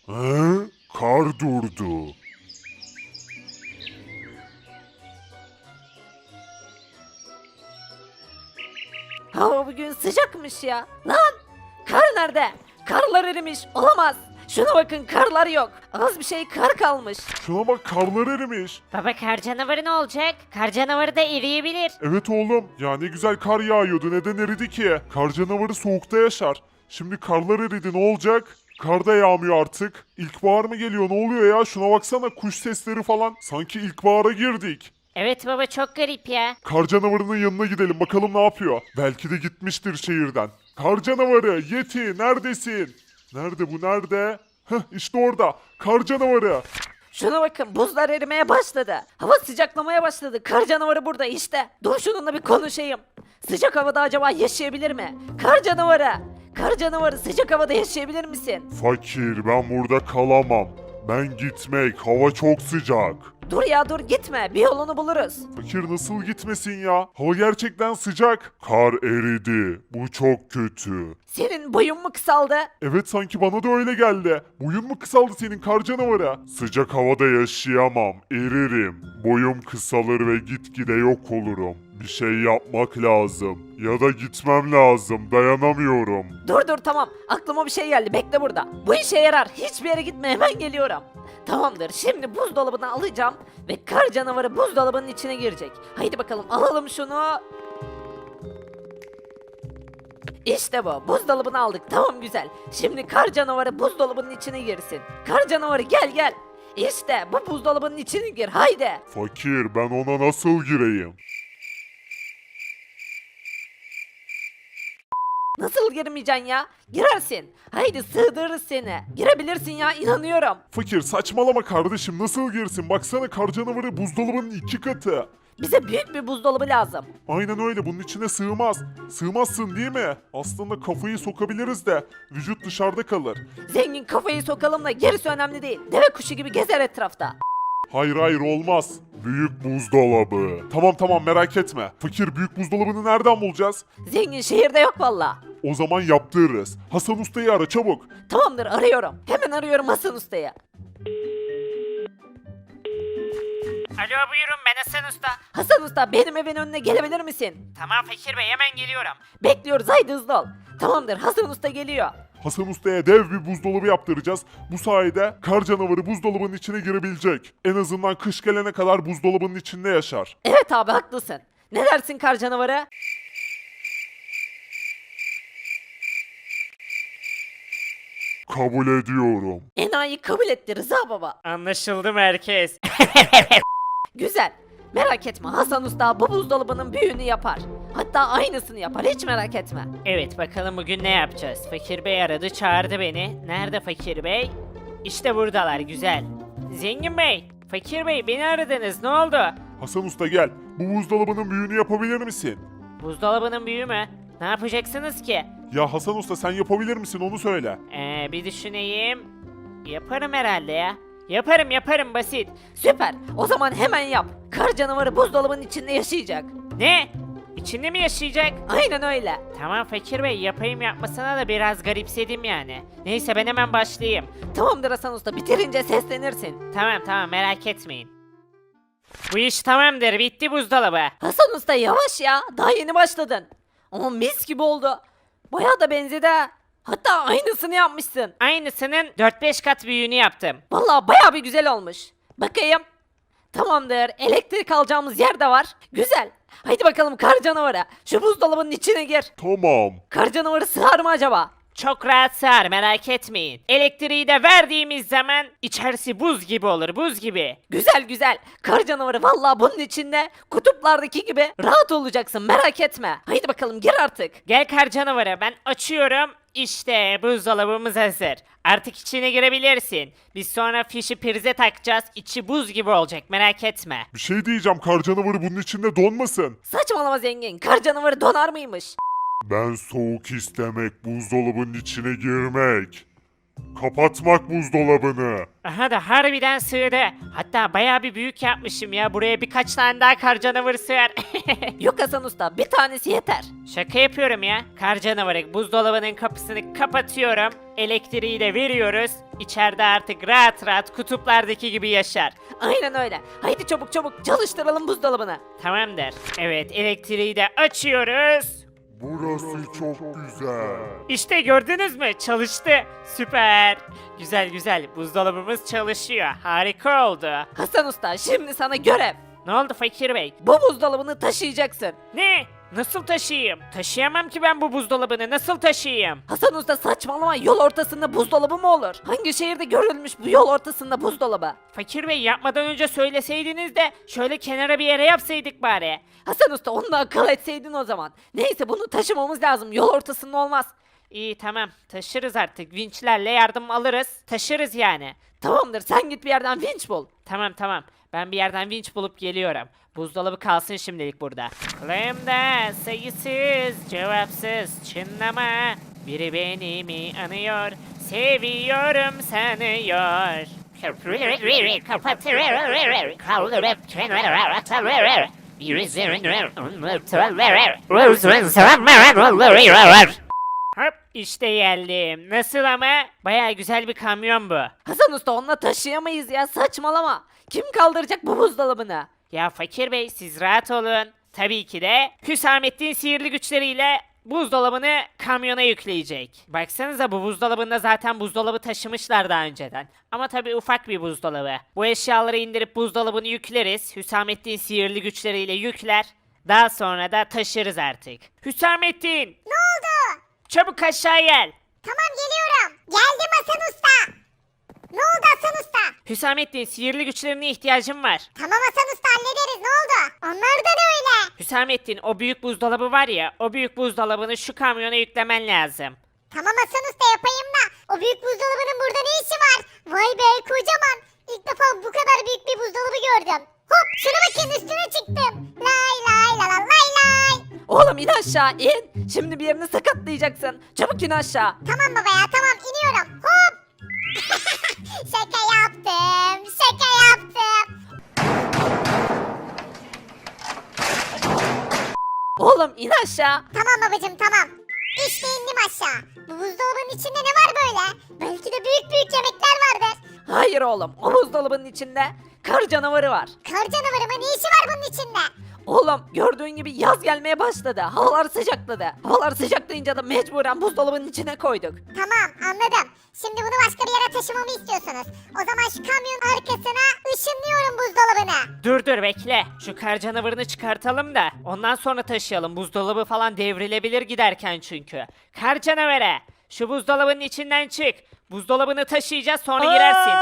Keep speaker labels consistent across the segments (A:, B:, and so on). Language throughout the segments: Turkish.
A: He? Kar durdu.
B: Hava bugün sıcakmış ya. Lan! Kar nerede? Karlar erimiş. Olamaz. Şuna bakın karlar yok. Az bir şey kar kalmış.
A: Şuna bak, karlar erimiş.
C: Baba kar canavarı ne olacak? Kar canavarı da eriyebilir.
A: Evet oğlum, ya ne güzel kar yağıyordu, neden eridi ki? Kar canavarı soğukta yaşar. Şimdi karlar eridi, ne olacak? Kar da yağmıyor artık. İlkbahar mı geliyor, ne oluyor ya? Şuna baksana, kuş sesleri falan. Sanki ilkbahara girdik.
C: Evet baba çok garip ya.
A: Kar canavarının yanına gidelim, bakalım ne yapıyor. Belki de gitmiştir şehirden. Kar canavarı, Yeti neredesin? Nerede bu, nerede? Heh, işte orada. Kar canavarı.
B: Şuna bakın buzlar erimeye başladı. Hava sıcaklamaya başladı. Kar canavarı burada işte. Dur şununla bir konuşayım. Sıcak havada acaba yaşayabilir mi? Kar canavarı. Kar canavarı sıcak havada yaşayabilir misin?
A: Fakir, ben burada kalamam. Ben gitmek, hava çok sıcak.
B: Dur ya dur gitme. Bir yolunu buluruz.
A: Fakir nasıl gitmesin ya? Hava gerçekten sıcak. Kar eridi. Bu çok kötü.
B: Senin boyun mu kısaldı?
A: Evet, sanki bana da öyle geldi. Boyun mu kısaldı senin, kar canavarı? Sıcak havada yaşayamam. Eririm. Boyum kısalır ve gitgide yok olurum. Bir şey yapmak lazım. Ya da gitmem lazım. Dayanamıyorum.
B: Dur tamam. Aklıma bir şey geldi. Bekle burada. Bu işe yarar. Hiçbir yere gitme. Hemen geliyorum. Tamamdır. Şimdi buzdolabını alacağım ve kar canavarı buzdolabının içine girecek. Haydi bakalım alalım şunu. İşte bu. Buzdolabını aldık. Tamam güzel. Şimdi kar canavarı buzdolabının içine girsin. Kar canavarı gel. İşte bu buzdolabının içine gir. Haydi.
A: Fakir, ben ona nasıl gireyim?
B: Nasıl girmeyeceksin ya? Girersin. Haydi sığdırırız seni. Girebilirsin ya inanıyorum.
A: Fakir, saçmalama kardeşim, nasıl girsin? Baksana, kar canavarı buzdolabının 2 katı.
B: Bize büyük bir buzdolabı lazım.
A: Aynen öyle, bunun içine sığmaz. Sığmazsın değil mi? Aslında kafayı sokabiliriz de vücut dışarıda kalır.
B: Zengin kafayı sokalım da gerisi önemli değil. Deve kuşu gibi gezer etrafta.
A: Hayır olmaz. Büyük buzdolabı. Tamam merak etme. Fakir, büyük buzdolabını nereden bulacağız?
B: Zengin şehirde yok valla.
A: O zaman yaptırırız. Hasan Usta'yı ara çabuk.
B: Tamamdır arıyorum. Hemen arıyorum Hasan Usta'yı.
C: Alo buyurun ben Hasan Usta.
B: Hasan Usta benim evin önüne gelebilir misin?
C: Tamam Fakir Bey hemen geliyorum.
B: Bekliyoruz haydi hızlı ol. Tamamdır Hasan Usta geliyor.
A: Hasan Usta'ya dev bir buzdolabı yaptıracağız. Bu sayede kar canavarı buzdolabının içine girebilecek. En azından kış gelene kadar buzdolabının içinde yaşar.
B: Evet abi haklısın. Ne dersin kar canavarı?
A: Kabul ediyorum.
B: Enayi kabul etti Rıza baba.
C: Anlaşıldı merkez.
B: Güzel. Merak etme Hasan Usta bu buzdolabının büyüğünü yapar. Hatta aynısını yapar hiç merak etme.
C: Evet bakalım bugün ne yapacağız? Fakir Bey aradı çağırdı beni. Nerede Fakir Bey? İşte buradalar güzel. Zengin Bey, Fakir Bey beni aradınız ne oldu?
A: Hasan Usta gel. Bu buzdolabının büyüğünü yapabilir misin?
C: Buzdolabının büyüğü mü? Ne yapacaksınız ki?
A: Ya Hasan Usta, sen yapabilir misin, onu söyle.
C: Bir düşüneyim. Yaparım herhalde ya. Yaparım basit.
B: Süper. O zaman hemen yap. Kar canavarı buzdolabının içinde yaşayacak.
C: Ne? İçinde mi yaşayacak?
B: Aynen öyle.
C: Tamam Fakir Bey yapayım yapmasına da biraz garipsedim yani. Neyse ben hemen başlayayım.
B: Tamamdır Hasan Usta bitirince seslenirsin.
C: Tamam merak etmeyin. Bu iş tamamdır bitti buzdolabı.
B: Hasan Usta yavaş ya. Daha yeni başladın. Ama mis gibi oldu. Bayağı da benzedi ha. Hatta aynısını yapmışsın.
C: Aynısının 4-5 kat büyüğünü yaptım.
B: Vallahi bayağı bir güzel olmuş. Bakayım. Tamamdır. Elektrik alacağımız yer de var. Güzel. Haydi bakalım kar canavarı. Şu buzdolabının içine gir.
A: Tamam.
B: Kar canavarı sığar mı acaba?
C: Çok rahat sığar merak etmeyin. Elektriği de verdiğimiz zaman içerisi buz gibi olur buz gibi.
B: Güzel. Kar canavarı vallahi bunun içinde kutuplardaki gibi rahat olacaksın merak etme. Haydi bakalım gir artık.
C: Gel kar canavarı ben açıyorum. İşte buzdolabımız hazır. Artık içine girebilirsin. Biz sonra fişi prize takacağız. İçi buz gibi olacak merak etme.
A: Bir şey diyeceğim, kar canavarı bunun içinde donmasın.
B: Saçmalama zengin. Kar canavarı donar mıymış?
A: Ben soğuk istemek, buzdolabının içine girmek. Kapatmak buzdolabını.
C: Aha da harbiden sığdı. Hatta bayağı bir büyük yapmışım ya. Buraya birkaç tane daha kar canavarı sığar.
B: Yok Hasan Usta, bir tanesi yeter.
C: Şaka yapıyorum ya. Kar canavarı buzdolabının kapısını kapatıyorum. Elektriği de veriyoruz. İçeride artık rahat rahat kutuplardaki gibi yaşar.
B: Aynen öyle. Haydi çabuk çabuk çalıştıralım buzdolabını.
C: Tamamdır. Evet, elektriği de açıyoruz.
A: Burası çok güzel.
C: İşte gördünüz mü? Çalıştı. Süper. Güzel güzel. Buzdolabımız çalışıyor. Harika oldu.
B: Hasan Usta, şimdi sana görev.
C: Ne oldu Fakir Bey?
B: Bu buzdolabını taşıyacaksın.
C: Ne? Nasıl taşıyayım? Taşıyamam ki ben bu buzdolabını. Nasıl taşıyayım?
B: Hasan Usta saçmalama, yol ortasında buzdolabı mı olur? Hangi şehirde görülmüş bu yol ortasında buzdolabı?
C: Fakir Bey yapmadan önce söyleseydiniz de şöyle kenara bir yere yapsaydık bari.
B: Hasan Usta onu da akıl etseydin o zaman. Neyse bunu taşımamız lazım, yol ortasında olmaz.
C: İyi tamam taşırız artık. Vinçlerle yardım alırız. Taşırız yani.
B: Tamamdır, sen git bir yerden vinç bul.
C: Tamam tamam. Ben bir yerden vinç bulup geliyorum. Buzdolabı kalsın şimdilik burada. Kulağımda sayısız cevapsız çınlama. Biri beni mi anıyor? Seviyorum sanıyor. Hop işte geldim. Nasıl ama? Baya güzel bir kamyon bu.
B: Hasan Usta onunla taşıyamayız ya, saçmalama. Kim kaldıracak bu buzdolabını?
C: Ya Fakir Bey siz rahat olun. Tabii ki de Hüsamettin sihirli güçleriyle buzdolabını kamyona yükleyecek. Baksanıza bu buzdolabında zaten buzdolabı taşımışlar daha önceden. Ama tabii ufak bir buzdolabı. Bu eşyaları indirip buzdolabını yükleriz. Hüsamettin sihirli güçleriyle yükler. Daha sonra da taşırız artık. Hüsamettin!
D: Ne oldu?
C: Çabuk aşağı gel.
D: Tamam geliyorum. Geldim Hasan Usta. Ne oldu Hasan Usta?
C: Hüsamettin sihirli güçlerine ihtiyacım var.
D: Tamam Hasan Usta hallederiz. Ne oldu? Onlar da ne öyle?
C: Hüsamettin o büyük buzdolabı var ya o büyük buzdolabını şu kamyona yüklemen lazım.
D: Tamam Hasan Usta yapayım da. O büyük buzdolabının burada ne işi var? Vay be kocaman. İlk defa bu kadar büyük bir buzdolabı gördüm. Hop şuna bakın üstüne çıktım. Lay lay la la lay lay.
B: Oğlum in aşağı in. Şimdi bir yerini sakatlayacaksın. Çabuk in aşağı.
D: Tamam baba ya tamam iniyorum. Hop. Şaka yaptım. Şaka yaptım.
B: Oğlum in aşağı.
D: Tamam babacım tamam. İşte indim aşağı. Bu buzdolabının içinde ne var böyle? Belki de büyük büyük yemekler vardır.
B: Hayır oğlum, o buzdolabının içinde kar canavarı var.
D: Kar canavarı mı? Ne işi var bunun içinde?
B: Oğlum gördüğün gibi yaz gelmeye başladı. Havalar sıcakladı. Havalar sıcaklayınca da mecburen buzdolabının içine koyduk.
D: Tamam anladım. Şimdi bunu başka bir yere taşımamı istiyorsunuz. O zaman şu kamyonun arkasına ışınlıyorum buzdolabını.
C: Dur bekle. Şu kar canavarını çıkartalım da ondan sonra taşıyalım. Buzdolabı falan devrilebilir giderken çünkü. Kar canavarı şu buzdolabının içinden çık. Buzdolabını taşıyacağız sonra girersin.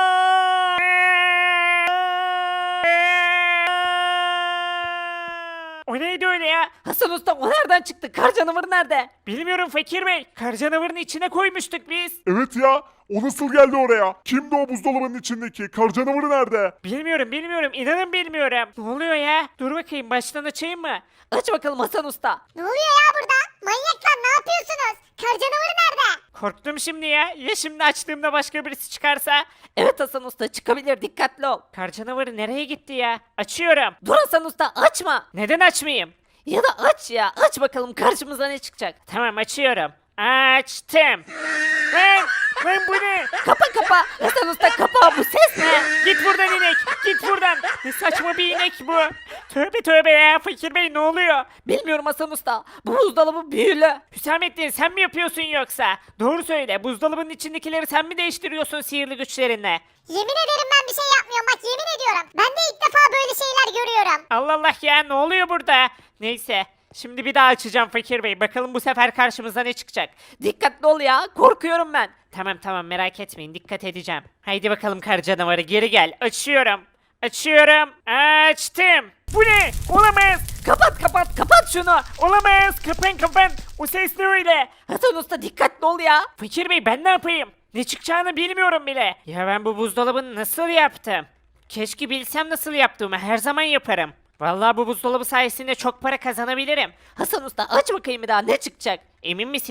C: O neydi öyle ya?
B: Hasan Usta o nereden çıktı? Kar canavarı nerede?
C: Bilmiyorum Fakir Bey. Kar canavarının içine koymuştuk biz.
A: Evet ya. O nasıl geldi oraya? Kimdi o buzdolabının içindeki? Kar canavarı nerede?
C: Bilmiyorum. İnanın bilmiyorum. Ne oluyor ya? Dur bakayım baştan açayım mı?
B: Aç bakalım Hasan Usta.
D: Ne oluyor ya burada? Manyaklar ne yapıyorsunuz? Kar canavarı nerede?
C: Korktum şimdi ya. Ya şimdi açtığımda başka birisi çıkarsa?
B: Evet Hasan Usta çıkabilir, dikkatli ol.
C: Kar canavarı nereye gitti ya? Açıyorum.
B: Dur Hasan Usta açma.
C: Neden açmayayım?
B: Ya da aç ya, aç bakalım karşımıza ne çıkacak.
C: Tamam açıyorum. Açtım. Lan bu ne?
B: Kapa Hasan Usta kapa, bu ses ne?
C: Git buradan inek. Git buradan. Ne saçma bir inek bu. Tövbe ya Fakir Bey ne oluyor?
B: Bilmiyorum Hasan Usta, bu buzdolabı büyülü.
C: Hüsamettin sen mi yapıyorsun yoksa? Doğru söyle. Buzdolabının içindekileri sen mi değiştiriyorsun sihirli güçlerinle?
D: Yemin ederim ben bir şey yapmıyorum bak yemin ediyorum. Ben de ilk defa böyle şeyler görüyorum.
C: Allah ya ne oluyor burada? Neyse. Şimdi bir daha açacağım Fakir Bey. Bakalım bu sefer karşımıza ne çıkacak?
B: Dikkatli ol ya, korkuyorum ben.
C: Tamam merak etmeyin dikkat edeceğim. Haydi bakalım kar canavarı geri gel. Açıyorum. Açtım. Bu ne? Olamaz.
B: Kapat şunu.
C: Olamaz. Kapan. O ses ne öyle?
B: Hasan Usta dikkatli ol ya.
C: Fakir Bey ben ne yapayım? Ne çıkacağını bilmiyorum bile. Ya ben bu buzdolabını nasıl yaptım? Keşke bilsem nasıl yaptığımı her zaman yaparım. Vallahi bu buzdolabı sayesinde çok para kazanabilirim.
B: Hasan Usta aç bakayım bir daha, ne çıkacak?
C: Emin misiniz?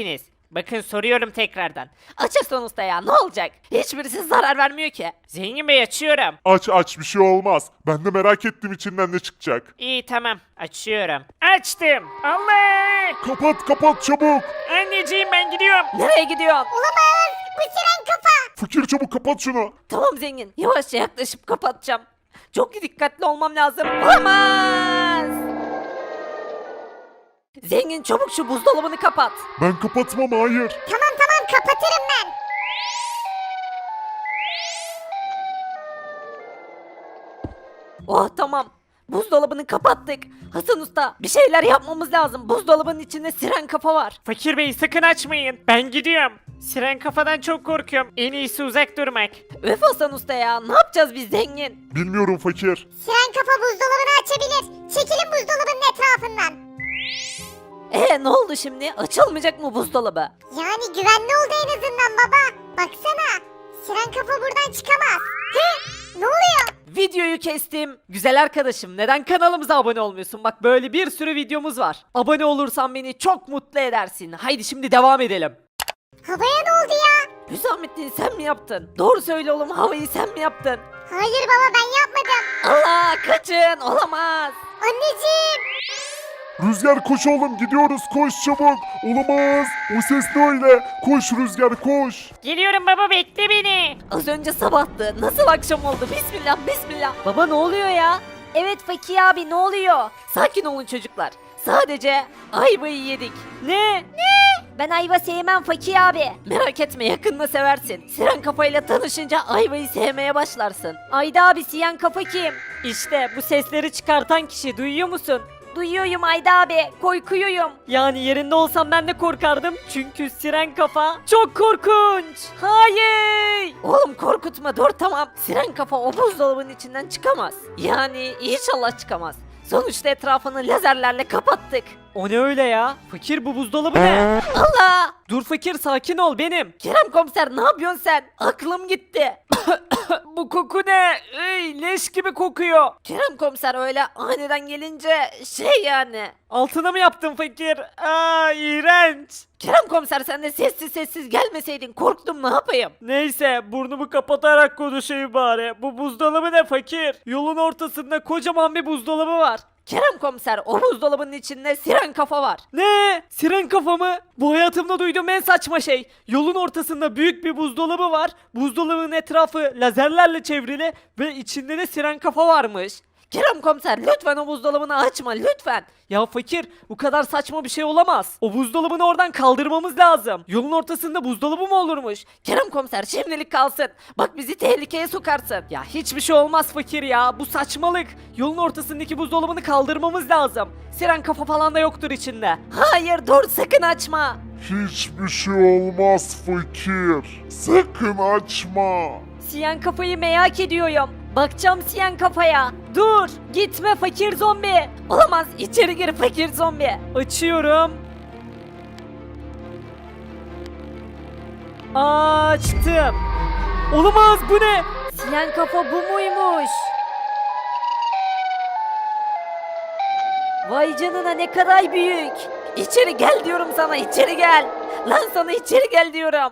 C: Bakın soruyorum tekrardan.
B: Açarsan usta ya ne olacak? Hiçbirisi zarar vermiyor ki.
C: Zengin Bey açıyorum.
A: Aç bir şey olmaz. Ben de merak ettim içinden ne çıkacak.
C: İyi tamam açıyorum. Açtım. Allah!
A: Kapat çabuk.
C: Anneciğim ben gidiyorum.
B: Nereye gidiyorsun?
D: Olamaz. Bu siren kafa.
A: Fakir çabuk kapat şunu.
B: Tamam zengin. Yavaşça yaklaşıp kapatacağım. Çok dikkatli olmam lazım. Olamaz! Zengin çabuk şu buzdolabını kapat.
A: Ben kapatmam hayır.
D: Tamam kapatırım ben.
B: Oh tamam. Buzdolabını kapattık. Hasan Usta bir şeyler yapmamız lazım. Buzdolabının içinde siren kafa var.
C: Fakir Bey sakın açmayın. Ben gidiyorum. Siren kafadan çok korkuyorum. En iyisi uzak durmak.
B: Öf Hasan Usta ya ne yapacağız biz zengin?
A: Bilmiyorum fakir.
D: Siren kafa buzdolabını açabilir. Çekilin buzdolabının etrafından.
B: Ne oldu şimdi? Açılmayacak mı buzdolabı?
D: Yani güvenli oldu en azından baba. Baksana. Siren kafa buradan çıkamaz. Hı? Ne oluyor?
B: Videoyu kestim. Güzel arkadaşım neden kanalımıza abone olmuyorsun? Bak böyle bir sürü videomuz var. Abone olursan beni çok mutlu edersin. Haydi şimdi devam edelim.
D: Havaya ne oldu ya?
B: Hüsamettin sen mi yaptın? Doğru söyle oğlum havayı sen mi yaptın?
D: Hayır baba ben yapmadım.
B: Allah kaçın olamaz.
D: Anneciğim.
A: Rüzgar koş oğlum gidiyoruz koş çabuk. Olamaz. O ses ne öyle? Koş Rüzgar koş.
C: Geliyorum baba bekle beni.
B: Az önce sabahtı. Nasıl akşam oldu? Bismillah bismillah. Baba ne oluyor ya? Evet Fakir abi ne oluyor? Sakin olun çocuklar. Sadece ayvayı yedik. Ne? Ben ayva sevmem Fakir abi. Merak etme yakında seversin. Siren kafayla tanışınca ayvayı sevmeye başlarsın. Ayda abi siyen kafa kim? İşte bu sesleri çıkartan kişi duyuyor musun? Duyuyorum Ayda abi, korkuyorum. Yani yerinde olsam ben de korkardım. Çünkü siren kafa çok korkunç. Hayır. Oğlum korkutma dur tamam. Siren kafa o buzdolabının içinden çıkamaz. Yani inşallah çıkamaz. Sonuçta etrafını lazerlerle kapattık. O ne öyle ya? Fakir bu buzdolabı ne? Allah! Dur fakir sakin ol benim. Kerem komiser ne yapıyorsun sen? Aklım gitti. Bu koku ne? Ey, leş gibi kokuyor. Kerem komiser öyle aniden gelince şey yani. Altına mı yaptın fakir? Aa iğrenç. Kerem komiser sen de sessiz sessiz gelmeseydin korktum ne yapayım? Neyse burnumu kapatarak konuşayım bari. Bu buzdolabı ne fakir? Yolun ortasında kocaman bir buzdolabı var. Kerem komiser o buzdolabının içinde siren kafa var. Ne? Siren kafa mı? Bu hayatımda duyduğum en saçma şey. Yolun ortasında büyük bir buzdolabı var. Buzdolabının etrafı lazerlerle çevrili ve içinde de siren kafa varmış. Kerem komiser lütfen o buzdolabını açma lütfen. Ya fakir bu kadar saçma bir şey olamaz. O buzdolabını oradan kaldırmamız lazım. Yolun ortasında buzdolabı mı olurmuş? Kerem komiser şimdilik kalsın. Bak bizi tehlikeye sokarsın. Ya hiçbir şey olmaz fakir ya. Bu saçmalık. Yolun ortasındaki buzdolabını kaldırmamız lazım. Siren kafa falan da yoktur içinde. Hayır dur sakın açma.
A: Hiçbir şey olmaz fakir. Sakın açma.
B: Siyen kafayı merak ediyorum. Bakacağım siyen kafaya. Dur gitme fakir zombi. Olamaz içeri gir fakir zombi. Açıyorum. Açtım. Olamaz bu ne? Siyen kafa bu muymuş? Vay canına ne kadar büyük. İçeri gel diyorum sana içeri gel. Lan sana içeri gel diyorum.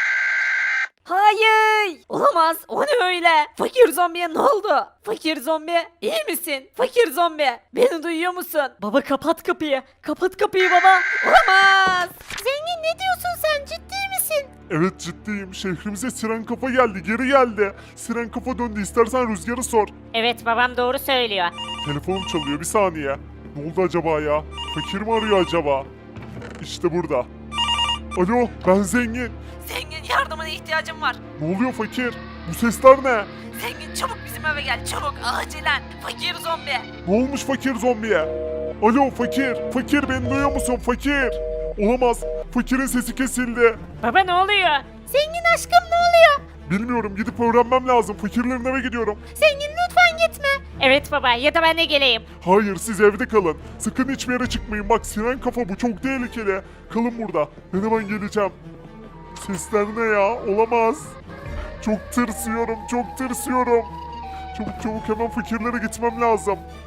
B: Hayır! Olamaz. O ne öyle? Fakir zombiye ne oldu? Fakir zombi iyi misin? Fakir zombi beni duyuyor musun? Baba kapat kapıyı. Kapat kapıyı baba. Olamaz. Zengin ne diyorsun sen? Ciddi misin?
A: Evet ciddiyim. Şehrimize siren kafa geldi. Geri geldi. Siren kafa döndü. İstersen Rüzgar'ı sor.
C: Evet babam doğru söylüyor.
A: Telefonum çalıyor. Bir saniye. Ne oldu acaba ya? Fakir mi arıyor acaba? İşte burada. Alo ben zengin.
B: Zengin yardımına ihtiyacım var.
A: Ne oluyor fakir? Bu sesler ne?
B: Zengin çabuk bizim eve gel çabuk acilen. Fakir zombi.
A: Ne olmuş fakir zombiye? Alo fakir. Fakir beni duyuyor musun fakir? Olamaz. Fakirin sesi kesildi.
C: Baba ne oluyor?
B: Zengin aşkım ne oluyor?
A: Bilmiyorum gidip öğrenmem lazım. Fakirlerin eve gidiyorum.
B: Zengin lütfen gitme.
C: Evet baba ya da ben de geleyim.
A: Hayır siz evde kalın. Sakın hiçbir yere çıkmayın. Bak siren kafa bu çok tehlikeli. Kalın burada. Ben hemen geleceğim. Sesler ne ya? Olamaz. Çok tırsıyorum. Çok tırsıyorum. Çabuk çabuk hemen fakirlere gitmem lazım.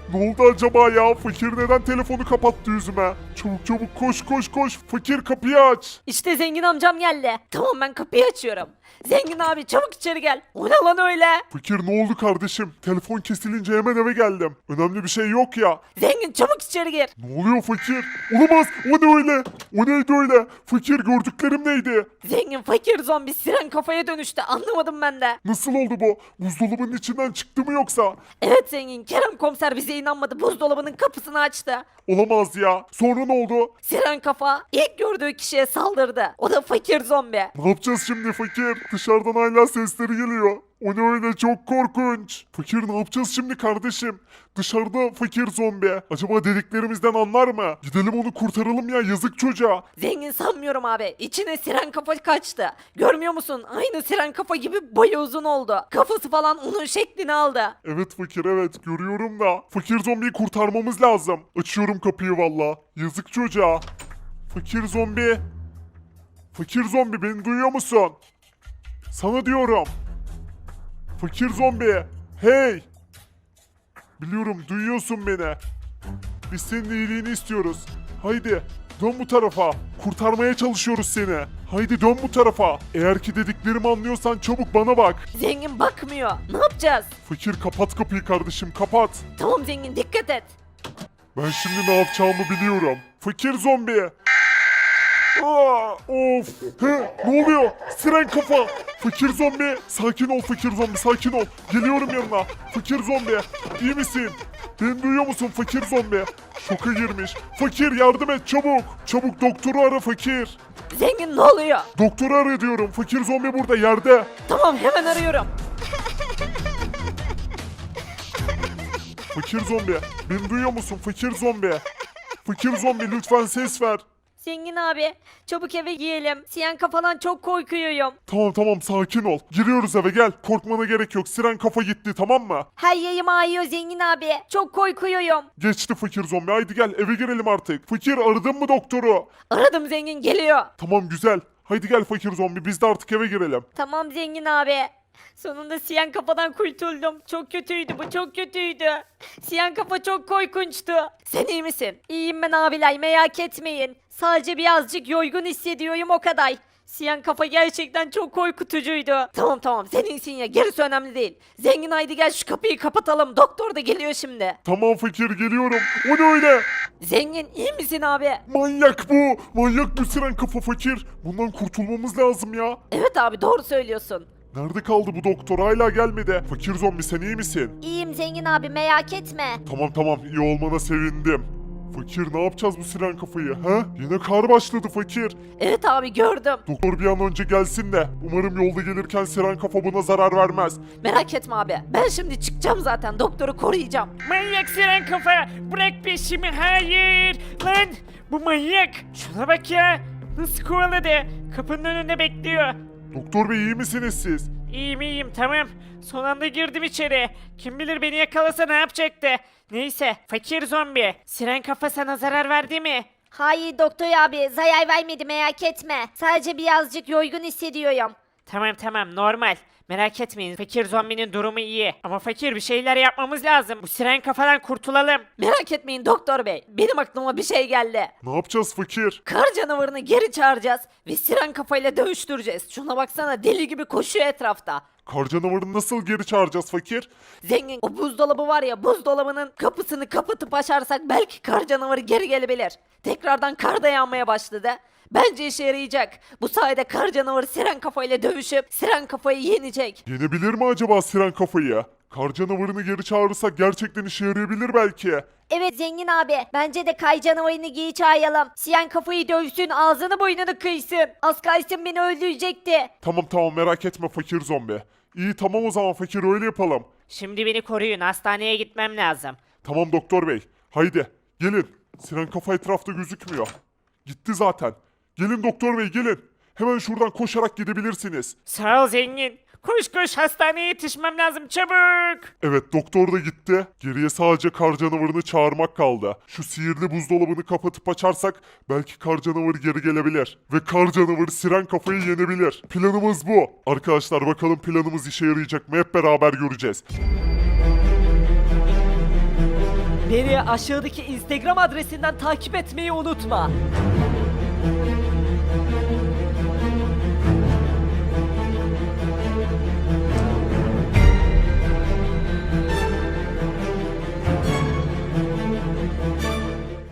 A: Ne oldu acaba ya? Fakir neden telefonu kapattı yüzüme? Çabuk çabuk koş koş koş. Fakir kapıyı aç.
B: İşte zengin amcam geldi. Tamam ben kapıyı açıyorum. Zengin abi çabuk içeri gel. O ne lan öyle?
A: Fakir ne oldu kardeşim? Telefon kesilince hemen eve geldim. Önemli bir şey yok ya.
B: Zengin çabuk içeri gir.
A: Ne oluyor fakir? Olamaz. O ne öyle? O neydi öyle? Fakir gördüklerim neydi?
B: Zengin fakir zombi siren kafaya dönüştü anlamadım ben de.
A: Nasıl oldu bu? Buzdolabının içinden çıktı mı yoksa?
B: Evet zengin Kerem komiser bize inanmadı buzdolabının kapısını açtı.
A: Olamaz ya. Sonra ne oldu?
B: Siren kafa ilk gördüğü kişiye saldırdı. O da fakir zombi.
A: Ne yapacağız şimdi fakir? Dışarıdan hala sesleri geliyor. O ne öyle çok korkunç. Fakir ne yapacağız şimdi kardeşim? Dışarıda fakir zombi. Acaba dediklerimizden anlar mı? Gidelim onu kurtaralım ya yazık çocuğa.
B: Zengin sanmıyorum abi. İçine siren kafa kaçtı. Görmüyor musun? Aynı siren kafa gibi boyu uzun oldu. Kafası falan onun şeklini aldı.
A: Evet fakir evet görüyorum da. Fakir zombiyi kurtarmamız lazım. Açıyorum kapıyı valla. Yazık çocuğa. Fakir zombi. Fakir zombi beni duyuyor musun? Sana diyorum. Fakir zombi. Hey. Biliyorum duyuyorsun beni. Biz senin iyiliğini istiyoruz. Haydi dön bu tarafa. Kurtarmaya çalışıyoruz seni. Haydi dön bu tarafa. Eğer ki dediklerimi anlıyorsan çabuk bana bak.
B: Zengin bakmıyor. Ne yapacağız?
A: Fakir kapat kapıyı kardeşim kapat.
B: Tamam zengin dikkat et.
A: Ben şimdi ne yapacağımı biliyorum. Fakir zombi. Aa, of. He, ne oluyor? Siren kafa. Fakir zombi. Sakin ol fakir zombi sakin ol. Geliyorum yanına. Fakir zombi. İyi misin? Beni duyuyor musun fakir zombi? Şoka girmiş. Fakir yardım et çabuk. Çabuk doktoru ara fakir.
B: Zengin ne oluyor?
A: Doktoru ara diyorum. Fakir zombi burada yerde.
B: Tamam hemen arıyorum.
A: Fakir zombi. Beni duyuyor musun fakir zombi? Fakir zombi lütfen ses ver.
B: Zengin abi çabuk eve giyelim. Siren kafadan çok korkuyorum.
A: Tamam sakin ol. Giriyoruz eve gel. Korkmana gerek yok. Siren kafa gitti tamam mı?
B: Her yerim ağrıyor zengin abi. Çok korkuyorum.
A: Geçti fakir zombi. Haydi gel eve girelim artık. Fakir aradın mı doktoru?
B: Aradım zengin geliyor.
A: Tamam güzel. Haydi gel fakir zombi biz de artık eve girelim.
B: Tamam zengin abi. Sonunda siyan kafadan kurtuldum. Çok kötüydü bu çok kötüydü. Siyan kafa çok korkunçtu. Sen iyi misin? İyiyim ben abiler merak etmeyin. Sadece birazcık yorgun hissediyorum o kadar. Siyan kafa gerçekten çok korkutucuydu. Tamam sen iyisin ya gerisi önemli değil. Zengin haydi gel şu kapıyı kapatalım. Doktor da geliyor şimdi.
A: Tamam fakir geliyorum. O ne öyle?
B: Zengin iyi misin abi?
A: Manyak bu. Manyak bu siren kafa fakir. Bundan kurtulmamız lazım ya.
B: Evet abi doğru söylüyorsun.
A: Nerede kaldı bu doktor? Hala gelmedi. Fakir zombi sen iyi misin?
D: İyiyim zengin abi merak etme.
A: Tamam iyi olmana sevindim. Fakir ne yapacağız bu siren kafayı ha? Yine kar başladı fakir.
B: Evet abi gördüm.
A: Doktor bir an önce gelsin de umarım yolda gelirken siren kafa buna zarar vermez.
B: Merak etme abi. Ben şimdi çıkacağım zaten. Doktoru koruyacağım.
C: Manyak siren kafa. Bırak peşimi. Hayır. Lan bu manyak. Şuna bak ya. Nasıl kovaladı. Kapının önünde bekliyor.
A: Doktor bey iyi misiniz siz?
C: İyiyim tamam. Son anda girdim içeri. Kim bilir beni yakalasa ne yapacaktı. Neyse fakir zombi. Siren kafa sana zarar verdi mi?
D: Hayır doktor abi zarar vermedi merak etme. Sadece birazcık yorgun hissediyorum.
C: Tamam normal. Merak etmeyin fakir zombinin durumu iyi. Ama fakir bir şeyler yapmamız lazım. Bu siren kafadan kurtulalım.
B: Merak etmeyin doktor bey. Benim aklıma bir şey geldi.
A: Ne yapacağız fakir?
B: Kar canavarını geri çağıracağız ve siren kafayla dövüştüreceğiz. Şuna baksana deli gibi koşuyor etrafta.
A: Kar canavarını nasıl geri çağıracağız fakir?
B: Zengin o buzdolabı var ya buzdolabının kapısını kapatıp açarsak belki kar canavarı geri gelebilir. Tekrardan kar da yağmaya başladı. Bence işe yarayacak. Bu sayede kar canavarı siren kafayla dövüşüp siren kafayı yenecek.
A: Yenebilir mi acaba siren kafayı? Kar canavarını geri çağırırsak gerçekten işe yarayabilir belki.
D: Evet zengin abi bence de kay canavarını giy çağıralım. Siyan kafayı dövsün ağzını boynunu kıysın. Az kalsın beni öldürecekti.
A: Tamam merak etme fakir zombi. İyi tamam o zaman fakir öyle yapalım.
C: Şimdi beni koruyun. Hastaneye gitmem lazım.
A: Tamam doktor bey. Haydi gelin. Siren kafa etrafta gözükmüyor. Gitti zaten. Gelin doktor bey gelin. Hemen şuradan koşarak gidebilirsiniz.
C: Sağ ol zengin. Koş hastaneye yetişmem lazım çabuk.
A: Evet doktor da gitti. Geriye sadece kar canavarını çağırmak kaldı. Şu sihirli buzdolabını kapatıp açarsak belki kar canavarı geri gelebilir. Ve kar canavarı siren kafayı yenebilir. Planımız bu. Arkadaşlar bakalım planımız işe yarayacak mı hep beraber göreceğiz.
B: Beni aşağıdaki Instagram adresinden takip etmeyi unutma.